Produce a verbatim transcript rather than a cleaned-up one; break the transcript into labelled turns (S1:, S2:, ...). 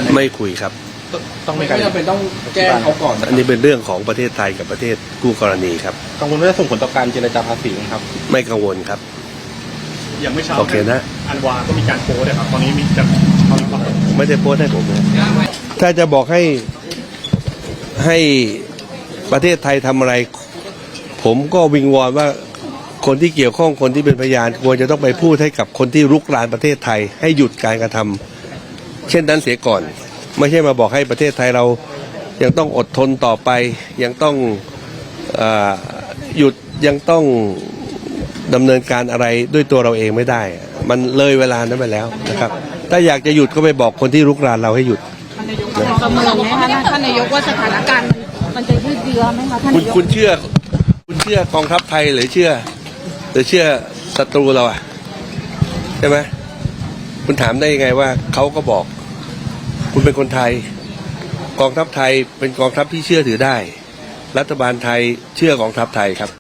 S1: ไม่คุยครับ
S2: ต้องไม่จำเป็นต้องแจ้งเขาก่อน
S1: อันนี้เป็นเรื่องของประเทศไทยกับประเทศคู่กรณีครับ
S2: กังวลว่าจะส่งผลต่อการเจรจาภาษีครับ
S1: ไม่กังวลครับ
S3: อย่างไม่เช้า
S1: โอเคนะ
S3: อันวาก็มีการโพสต์นะครับตอนนี้มีจะ
S1: ไม่ได้โพสต์ให้ผมนะถ้าจะบอกให้ให้ประเทศไทยทำอะไรผมก็วิงวอนว่าคนที่เกี่ยวข้องคนที่เป็นพยานควรจะต้องไปพูดให้กับคนที่รุกรานประเทศไทยให้หยุดการกระทำเช่นนั้นเสียก่อนไม่ใช่มาบอกให้ประเทศไทยเรายังต้องอดทนต่อไปยังต้องเอ่อหยุดยังต้องดำเนินการอะไรด้วยตัวเราเองไม่ได้มันเลยเวลานั้นไปแล้วนะครับถ้าอยากจะหยุดก็ไปบอกคนที่รุกรานเราให้หยุด
S4: ประเมินไหมคะท่านนายกว่าสถานการณ์มันจะยืดเยื้อไหมคะท่าน
S1: คุณ
S4: นายก
S1: คุณเชื่อคุณเชื่อกองทัพไทยหรือเชื่อหรือเชื่อศัตรูเราอ่ะใช่ไหมคุณถามได้ยังไงว่าเขาก็บอกคุณเป็นคนไทยกองทัพไทยเป็นกองทัพที่เชื่อถือได้รัฐบาลไทยเชื่อกองทัพไทยครับ